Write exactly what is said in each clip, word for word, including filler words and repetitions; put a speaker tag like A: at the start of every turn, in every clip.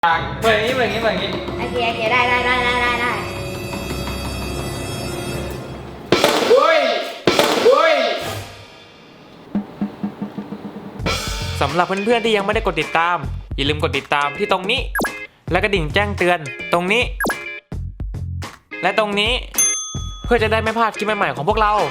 A: เปิดอย่างนี้เปิดอย่างนี้เปิดอย่างนี้
B: โอเคโอเคได้ได้ได้ได้ได้ได้
A: โอ้ยโอ้ย
C: สำหรับเพื่อนๆที่ยังไม่ได้กดติดตามอย่าลืมกดติดตามที่ตรงนี้และกระดิ่งแจ้งเตือนตรงนี้ และตรงนี้เพื่อจะได้ไม่พลาดคลิปใหม่ๆของพวกเรา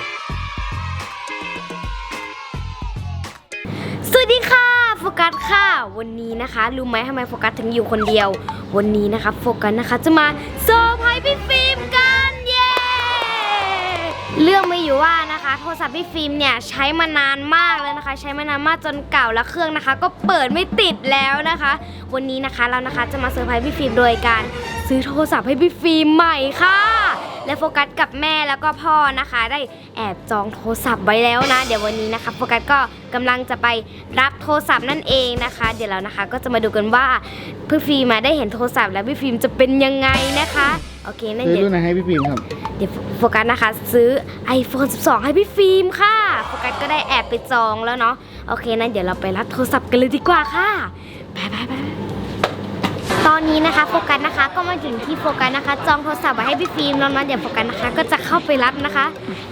B: สวัสดีค่ะโฟกัสค่ะวันนี้นะคะรู้ไหมทำไมโฟกัสถึงอยู่คนเดียววันนี้นะคะโฟกัสนะคะจะมาเซอร์ไพรส์พี่ฟิล์มกันเย้เรื่องไม่อยู่ว่านะคะโทรศัพท์พี่ฟิล์มเนี่ยใช้มานานมากแล้วนะคะใช้มานานมากจนเก่าแล้วเครื่องนะคะก็เปิดไม่ติดแล้วนะคะวันนี้นะคะเรานะคะจะมาเซอร์ไพรส์พี่ฟิล์มโดยการซื้อโทรศัพท์ให้พี่ฟิล์มใหม่ค่ะและโฟกัสกับแม่แล้วก็พ่อนะคะได้แอบจองโทรศัพท์ไว้แล้วนะเดี๋ยววันนี้นะคะโฟกัสก็กำลังจะไปรับโทรศัพท์นั่นเองนะคะเดี๋ยวเรานะคะก็จะมาดูกันว่าพี่ฟิล์มมาได้เห็นโทรศัพท์แล้วพี่ฟิล์มจะเป็นยังไงนะคะโอเคนั่นเดี๋ยว
D: ซื้อรุ่นไหนให้พี่ฟิล์มครับ
B: เดี๋ยวโฟกัสนะคะซื้อ ไอโฟนสิบสอง ให้พี่ฟิล์มค่ะโฟกัสก็ได้แอบไปจองแล้วเนาะโอเคนั่นเดี๋ยวเราไปรับโทรศัพท์กันเลยดีกว่าค่ะไปไปไปตอนนี้นะคะโฟกัสนะคะก็มาถึงที่โฟกัสนะคะจองโทรศัพท์ไว้ให้พี่ฟิล์มแล้วนะเดี๋ยวโฟกัสนะคะก็จะเข้าไปรับนะคะ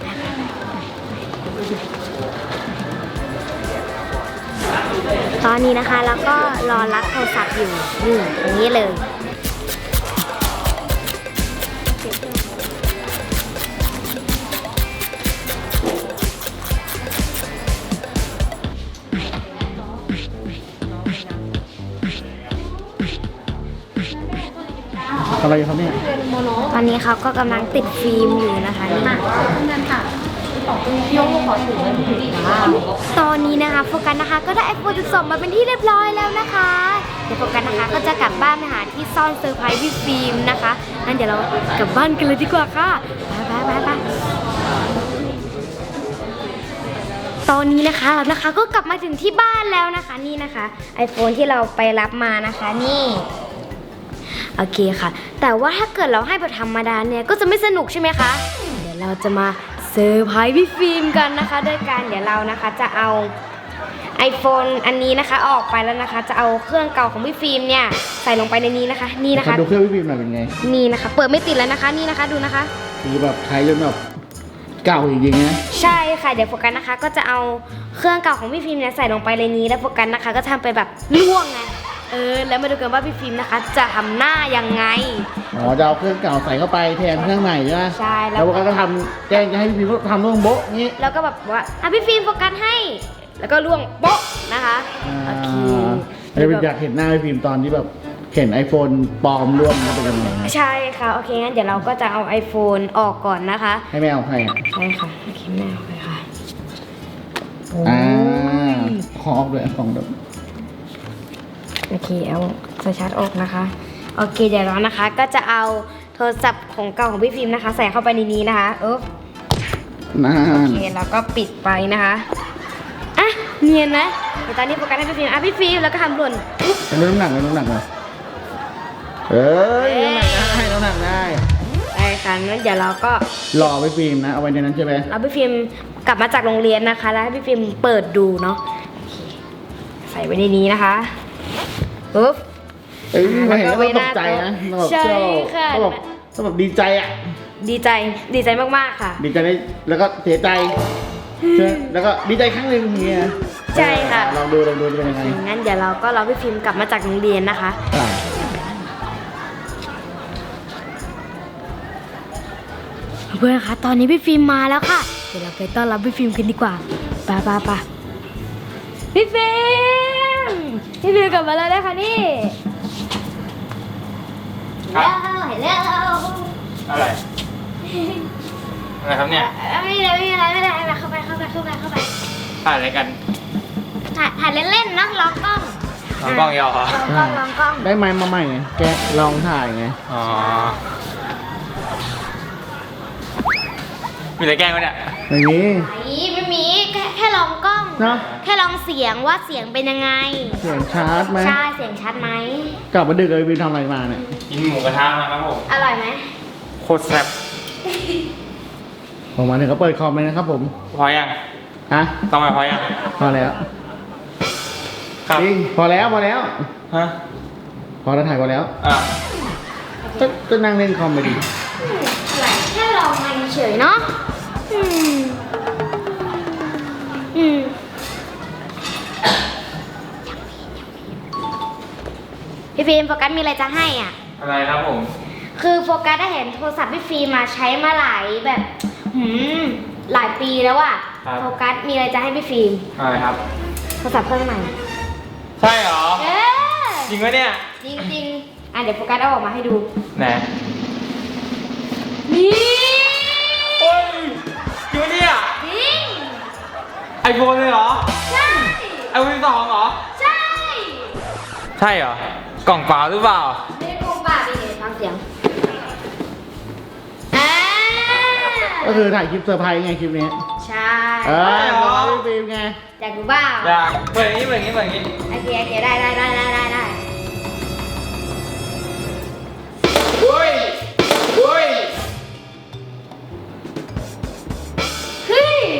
B: ตอนนี้นะคะแล้วก็รอรับโทรศัพท์อยู่นี่ตรงนี้เลย
D: อะไรครับเนี่ย
B: ตอนนี้เขาก็กำลังติดฟิล์มอยู่นะคะนี่ตอนนี้นะคะโฟกัสนะคะก็ได้ ไอโฟนสิบสอง มาเป็นที่เรียบร้อยแล้วนะคะเดี๋ยวโฟกัสนะคะก็จะกลับบ้านไปหาที่ซ่อนเซอร์ไพรส์พี่ฟิล์มนะคะงั้นเดี๋ยวเรากลับบ้านกันเลยดีกว่าค่ะไปไปไปตอนนี้นะคะเรานะคะก็กลับมาถึงที่บ้านแล้วนะคะนี่นะคะ ไอโฟน ที่เราไปรับมานะคะนี่โอเคค่ะแต่ว่าถ้าเกิดเราให้แบบธรรมดาเนี่ยก็จะไม่สนุกใช่ไหมคะเดี๋ยวเราจะมาเซอร์ไพรส์พี่ฟิล์มกันนะคะโดยการเดี๋ยวเรานะคะจะเอา ไอโฟน อันนี้นะคะออกไปแล้วนะคะจะเอาเครื่องเก่าของพี่ฟิล์มเนี่ยใส่ลงไปในนี้นะคะนี่นะคะ
D: ดูเครื่องพี่ฟิล์มหน่อยเป็นไง
B: นี่นะคะเปิดไม่ติดแล้วนะคะนี่นะคะดูนะคะ
D: คือแบบใช้จนแบบเก่าจริงๆนะ
B: ใช่ค่ะเดี๋ยวโฟกัสนะคะก็จะเอาเครื่องเก่าของพี่ฟิล์มเนี่ยใส่ลงไปในนี้แล้วโฟกัสนะคะก็ทำไปแบบล่วงไงเออแล้วมาดูกันว่าพี่ฟิล์มนะคะจะทำหน้ายังไง
D: อ๋อจะเอาเครื่องเก่าใส่เข้าไปแทนเครื่องใหม่ใช่ไหม
B: ใช่
D: แล้วก็ทำแจ้งจะให้พี่ฟิล์มทำล่วงโบ๊ะงี้
B: แล้วก็แบบว่าอ่ะพี่ฟิล์มโฟกัสให้แล้วก็ล่วงโบ๊ะนะคะโอเค
D: เราอยากเห็นหน้าพี่ฟิล์มตอนที่แบบเห็น ไอโฟน ปลอมร่วงมันเป็นยังไง
B: ใช่ค่ะโอเคงั้นเดี๋ยวเราก็จะเอา ไอโฟน ออกก่อนนะคะ
D: ให้แม่เอาให้
B: ใช่ค่ะโอเคแม่เอาไปค่ะ
D: อ่าของออกเลยของแบบ
B: โอเคเอาสายชาร์จออกนะคะโอเคเดี๋ยวเรานะคะก็จะเอาโทรศัพท์ของเก่าของพี่ฟิล์มนะคะใส่เข้าไปในนี้นะคะเออ
D: นั่น
B: โอเคแล้วก็ปิดไปนะคะอ่ะเนียนนะเดี๋ยวตอนนี้โฟกัสให้พี่ฟิล์มอ่ะพี่ฟิล์มแล้วก็ทำหล่น
D: เป็นน้ำหนักเป็นน้ำหนักเลยเอ้ยน้ำหนักได้น้ำหนักได้
B: ได้ค่ะงั้นเดี๋ยวเราก็
D: รอพี่ฟิล์มนะเอาไว้ในนั้นใช่ไหม
B: เราพี่ฟิล์มกลับมาจากโรงเรียนนะคะแล้วให้พี่ฟิล์มเปิดดูเนาะใส่ไว้ในนี้นะคะปุ๊บ
D: เอ้ยไม่เห็นก็ตกใจนะ
B: ใช่ค่ะ
D: ก็แบบก็แบบดีใจอ่ะ
B: ดีใจดีใจมากๆค่ะ
D: ดีใจได้แล้วก็เสียใจแล้วก็ดีใจครั้งหนึ่งเงี้ย
B: ใช่ค่ะ
D: ลองดูลองดูเป็นยังไง
B: งั้นเดี๋ยวเราก็รอพี่ฟิล์มกลับมาจากโรงเรียนนะคะเพื่อนคะตอนนี้พี่ฟิล์มมาแล้วค่ะเดี๋ยวเราไปต้อนรับพี่ฟิล์มกันดีกว่าไปไปไปพี่ฟิล์มพี่ฟิล์มกลับมาแล้วนะคะนี่
A: ครับ
B: ฮัลโหล
A: อะไรอะไรครับเนี่ย
B: ไม่ได้ไม่ได้ไม่ได้ไม่ได้เข้าไปเข้าไปเข้าไปเข้าไป
A: ถ่ายอะไรกัน
B: ถ่ายถ่ายเล่นๆนะลองกล้อง
A: ลองกล้องยาวเหรอ
B: ลองกล้องลองกล้อง
D: ได้ไมค์มาใหม่ไงแกลองถ่ายไง
A: อ๋อมีอะไรแกล้งวะเนี่ย
D: ไม่มี
B: ไม่มีแค่แค่ลองกล้อง
D: เนาะ
B: แค่ลองเสียงว่าเสียงเป็นยังไง
D: เสียงชัดไหม
B: ใช่เสียงชัดไหม
D: กลับมาดึกเลยวินทำอะไรมาเนี่ย
A: กินหมูกระทะมาครับผม
B: อร่อยไหม
A: โคตรแซ่บ
D: ผมมาถึงก็เปิดคอมเลยนะครับผม
A: พอยัง
D: ฮะ
A: ต้องมาพอยัง
D: พอแล้ว
A: ครับ
D: จริงพอแล้วพอแล้ว
A: ฮะ
D: พออเราถ่ายก่อนแล้ว
A: อ่ะ
D: ก็ก็นั่งเล่นคอมไปดิ
B: ไหลแค่ลองมาเฉยๆเนาะอืมอืมพี่ฟิล์มโฟกัสมีอะไรจะให้อ่ะ
A: อะไรครับผม
B: คือโฟกัสได้เห็นโทรศัพท์พี่ฟิล์มมาใช้มาหลายแบบหืมหลายปีแล้วอะ
A: ครับ
B: โฟกัสมีอะไรจะให้พี่ฟิล์ม
A: อะไรครับ
B: โทรศัพท์เครื่องใหม่
A: ใช่เหรอ
B: เออ
A: จริงไหมเนี่ย
B: จริงๆอ่ะเดี๋ยวโฟกัสเอาออกมาให้ดู
A: ไหน
B: นี่
A: โอ้ยจริงไหมเนี่ย
B: จริง
A: ไอโฟนเลยเหรอ
B: ใช่
A: ไอโฟนสองเหรอ
B: ใช่
A: ใช่เหรอ กล่องเปล่าหรือเปล่า
B: ไม่ได้โกงป่าไปเลยฟังเสียงอ่า
D: ก็คือถ่ายคลิปเซอร์ไพรส์ไงคลิปนี้
B: ใช่
D: เออ
A: ใช่เหรอ
D: ขอพี่ฟิล์มไง
B: อยากดูบ้า
A: อยากเปิดอย่างนี้เปิดอย่างนี้เปิดอย่างนี้
B: โอเคโอเคได้ได้ได้ได้ได้ได้
A: เฮ้ยเฮ้ย
B: เฮ้ย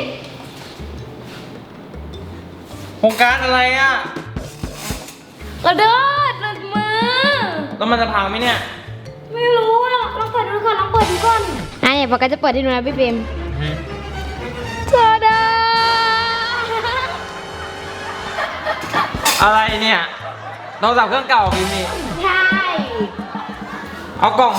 A: โครงการอะไรอ่ะ
B: กระโดดหลุดมือ
A: แล้วมันจะพังไหมเนี่ย
B: ไม่รู้อ่ะลองเปิดดูก่อนลองเปิดดูก่อนอ่ะเนี่ยปกติจะเปิดให้ดูนะพี่ฟิล์มทาดา
A: อะไรเนี่ยโทรศัพท์เครื่องเก่าพิมพ์นี่
B: ใช่
A: เอากล่อง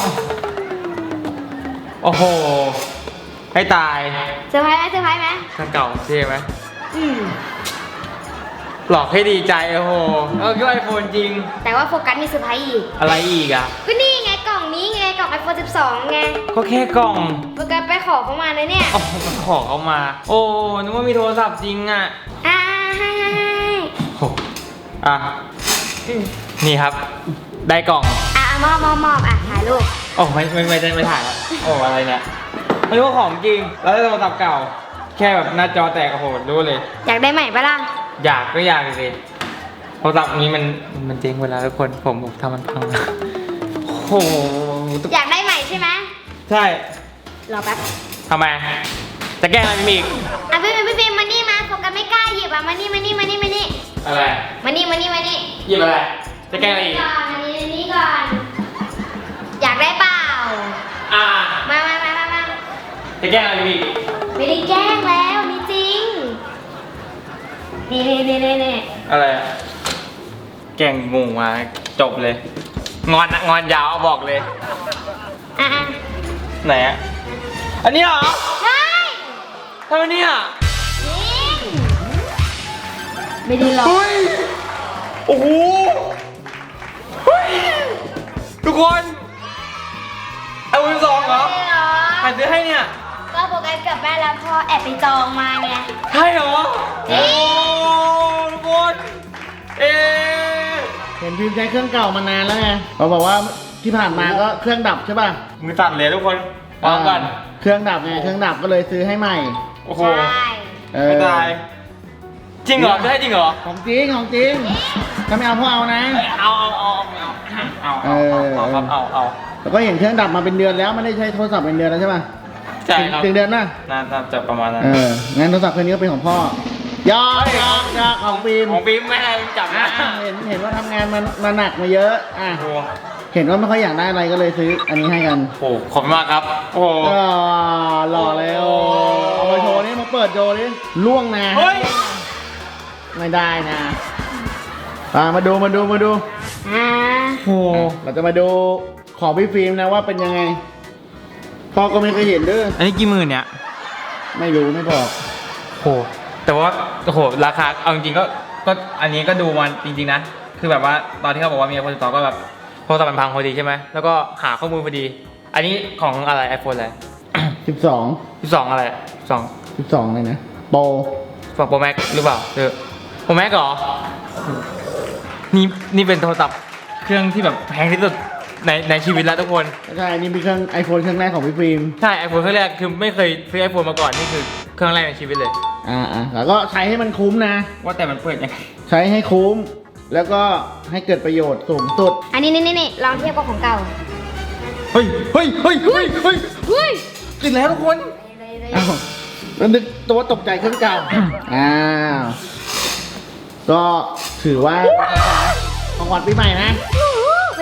A: โอ้โห ให้ตาย
B: เซอร์ไพรส์ไหมเซอร์ไพรส์ไหม
A: เครื่องเก่าเท่ไหม
B: อืม
A: หลอกให้ดีใจ โอ้โหเออคิดว่าไอโฟนจริง
B: แต่ว่าโฟกัสมีเซอร์ไพรส์อีก
A: อะไรอีกอ่ะ
B: ก็นี่ไงกล่องนี้ไงกล่อง ไอโฟนสิบสอง ไง
A: ก็แค่กล่อง
B: โฟกัสไปขอเขามาเลยเนี่ย
A: โอ้โหมันขอเขามา โอ้นึกว่ามีโทรศัพท์จริงอ่ะ
B: อ่าให้ให้ให้
A: โอ้อ่ะ นี่ครับ ได้กล่อง
B: อ่ะมอบมอบมอบอ่ะถ่ายรูป
A: โอ้ไม่ไม่ไม่ได้ไม่ถ่ายแล้วโอ้อะไรเนี่ยไม่รู้ว่าของจริง แล้วได้โทรศัพท์เก่า แค่แบบหน้าจอแตกโอ้โหรู้เลย
B: อยากได้ใหม่ปะล่ะ
A: อยากก็อยากสิโทรศัพท์นี้มันมันเจ๊งเวลาทุกคนผมผมทำมันพังโอ้โห
B: อยากได้ใหม่ใช่ไหม
A: ใช่
B: รอแป๊บ
A: ทำไม จะแกล้งอะไรมีอีก
B: อ่ะพี่ฟิล์มพี่ฟิล์มมานี่มาโฟกัสไม่กล้าหยิบอ่ะมานี่มานี่มานี่มานี่
A: อะไร
B: มานี่มานี่มานี่
A: หยิบอะไร จะแกล้งอะไรอีก
B: ก่อนอันนี้อันนี้ก่อน อยากได้เปล่า
A: อ่า
B: มามามามามา
A: จะแกล้งอะไรมีอีก
B: ไม่ได้แกล้งแล้วนี่จริง นี่นี่นี่นี่นี่
A: อะไรอะแกล้งงูมาจบเลย งอนอะงอนยาวบอกเลย
B: อ่ะอ่ะ
A: ไหนอะอันนี้เหรอ
B: ใช่
A: ทำไมเนี่ย
B: จริงไม่ได้หรอก
A: เฮ้ย โอ้โห เฮ้ย ทุกคนไอโฟนสองเหรอ
B: ไม่ได้หรอ
A: ใครซื้อให้เนี่ย
B: ก็โฟกัสกับแม่แล้วพ่อแอบไปจองมาไง
A: ใช่เหรอ
B: จริง
A: โอ้ทุกคนเอ๊ะ
D: เห็นฟิล์มใช้เครื่องเก่ามานานแล้วไงเขาบอกว่าที่ผ่านมาก็เครื่องดับใช่ป่ะ
A: มือตัดเลยทุกคนวางก่อน
D: เครื่องดับไงเครื่องดับก็เลยซื้อให้ใหม่
A: โอ้โห
B: ใช่
D: เอ
A: ไม่
D: อ
A: ตาย จริงเหรอได้จริงเหรอ
D: ของจริงของจริงถ้าไม่เอาพวกเอานะ
A: เอาเอาเอาเอาเอา
D: เออ
A: เอาครับเอาเอา
D: แล้วก็เห็นเครื่องดับมาเป็นเดือนแล้วไม่ได้ใช้โทรศัพท์เป็นเดือนแล้วใช่ป่ะ
A: ใช่ครับ
D: ถึงเดือนน่ะ
A: น่าน่าจะประมาณนั้น
D: เอองั้นโทรศัพท์เครื่องนี้ก็เป็นของพ่อยอกยอกยอกของฟิล์ม
A: ของฟิล์มไม่ให้จับนะ
D: อ่ะเห็นเห็นว่าทำงานมันมาหนักมาเยอะอ่ะ
A: โอ้โห
D: เห็นว่าไม่ค่อยอยากได้อะไรก็เลยซื้ออันนี้ให้กัน
A: โอ้โหขอบคุณมากครับ โอ้โห
D: อ่าหล่อเลยโอ้เอามาโชว์นี่มาเปิดโชว์นี่ล่วงนะ
A: เฮ้ย
D: ไม่ได้นะมามาดูมาดูมาดู
B: อ่า
A: โอ้โห
D: เราจะมาดูของพี่ฟิล์มนะว่าเป็นยังไงพ่อก็ไม่เคยเห็นเด้อ
A: อันนี้กี่หมื่นเนี่ย
D: ไม่รู้ไม่บอก
A: โห แต่ว่า โอ้โห ราคา เอาจริงๆก็ ก็อันนี้ก็ดูมันจริงๆนะ คือแบบว่าตอนที่เขาบอกว่ามีไอโฟนสิบสองก็แบบโทรศัพท์มันพังพอดีใช่ไหม แล้วก็หาข้อมูลพอดี อันนี้ของอะไรไอโฟนอะไร
D: สิบสอง
A: สิบสองอะไรสอง
D: สิบสองเลยนะโปร
A: ฝั่งโปรแม็กหรือเปล่าเออโปรแม็กเหรอ นี่นี่เป็นโทรศัพท์เครื่องที่แบบแพงที่สุดในในชีวิตแล้วทุกคน
D: ใช่อันนี้เป็นเครื่องไอโฟนเครื่องแรกของพี่ฟิล์ม
A: ใช่ไอโฟนเครื่องแรกคือไม่เคยซื้อไอโฟนมาก่อนนี่คือเครื่องแรกในชีวิตเลย
D: อ่าอ่าแล้วก็ใช้ให้มันคุ้มนะ
A: ว่าแต่มันเปิดยังไง
D: ใช้ให้คุ้ม แล้วก็ให้เกิดประโยชน์สูงสุด
B: อันนี้นี่นี่นี่ลองเทียบกับของเก่า
A: เฮ้ยเฮ้ยเฮ้ยเฮ้ยเฮ้ย
B: เฮ้ย
A: ติดแล้วทุกคน
D: อ้าวแล้วนึกตัวตกใจเครื่องเก่า อ้าว ก็ถือว่าของขวัญปีใหม่นะ
B: โอ้โหเป็น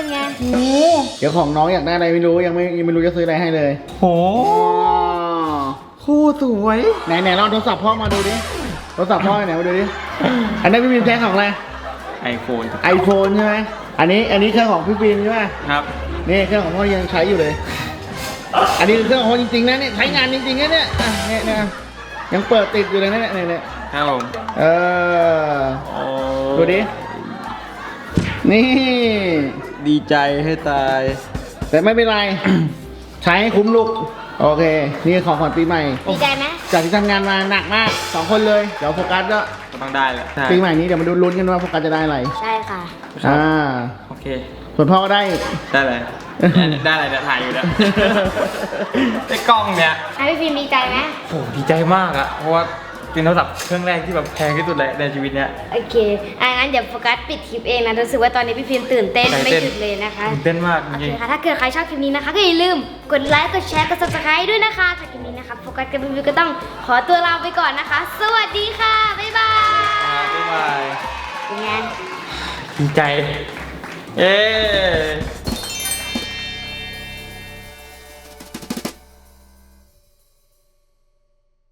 B: ไง
D: โอ้เดี๋ยวของน้องอยากได้อะไรไม่รู้ยังไม่ยังไม่รู้จะซื้ออะไรให้เลย
A: โหคู่สวย
D: ไหนไหนลองโทรศัพท์พ่อมาดูดิโทรศัพท์พ่อไหนมาดูดิอันนี้พี่ฟิล์มใช้ของอะไร
A: ไอโฟน
D: ไอโฟนใช่ไหมอันนี้อันนี้เครื่องของพี่ฟิล์มใช่ไหม
A: ครับ
D: นี่เครื่องของพ่อยังใช้อยู่เลย อันนี้คือเครื่องของพ่อจริงๆนะเนี่ยใช้งานจริงๆนะเนี่ยอ่ะเนี่ยเนี่ยยังเปิดติดอยู่เลยนะเนี่ยเนี่ยเนี่ย
A: ครับผม
D: เออดูดินี่
A: ดีใจให้ตาย
D: แต่ไม่เป็นไร ใช้ให้คุ้มลูกโอเค นี่คือของขวัญปีใหม่
B: ดีใจไหม
D: จากที่ทำงานมาหนักมากสองคนเลยเดี๋ยวโฟกัสก็
A: ก็ต้องได้แหละ
D: ปีใหม่นี้เดี๋ยวมาดูลุ้นกันว่าโฟกัสจะได้อะไร
B: ใช่ค่ะ
D: อ่า
A: โอเค
D: ส่วนพ่อก็ได้
A: ได้เลย ได้อะไรเนี่ยถ่ายอยู่เนี่ย ไอ้กล้องเนี่ย
B: ให้พี่ฟิล์มดีใจไหม
A: โหดีใจมากอะเพราะว่าเป็นโทรศัพท์เครื่องแรกที่แบบแพงที่สุดเลยในชีวิตเนี้ย
B: โอเคอ่ะงั้นเดี๋ยวโฟกัสปิดคลิปเองนะรู้สึกว่าตอนนี้พี่ฟิล์มตื่นเต้น
A: ตื่น
B: ไม่
A: เต้น
B: หยุดเลยนะคะ
A: ตื่นเต้นมากจ
B: โอเค
A: ริง
B: ค่ะ ถ้าเกิดใครชอบคลิปนี้นะคะก็อย่าลืมกดไลค์ กดแชร์ กด ซับสไครบ์ ด้วยนะคะสำหรับคลิปนี้นะคะโฟกัสกับพี่ฟิล์มก็ต้องขอตัวลาไปก่อนนะคะ สวัสดีค่ะ บ๊ายบาย
A: ๆบ๊ายบาย
B: เป็นไง
A: ดีใจ เอ๊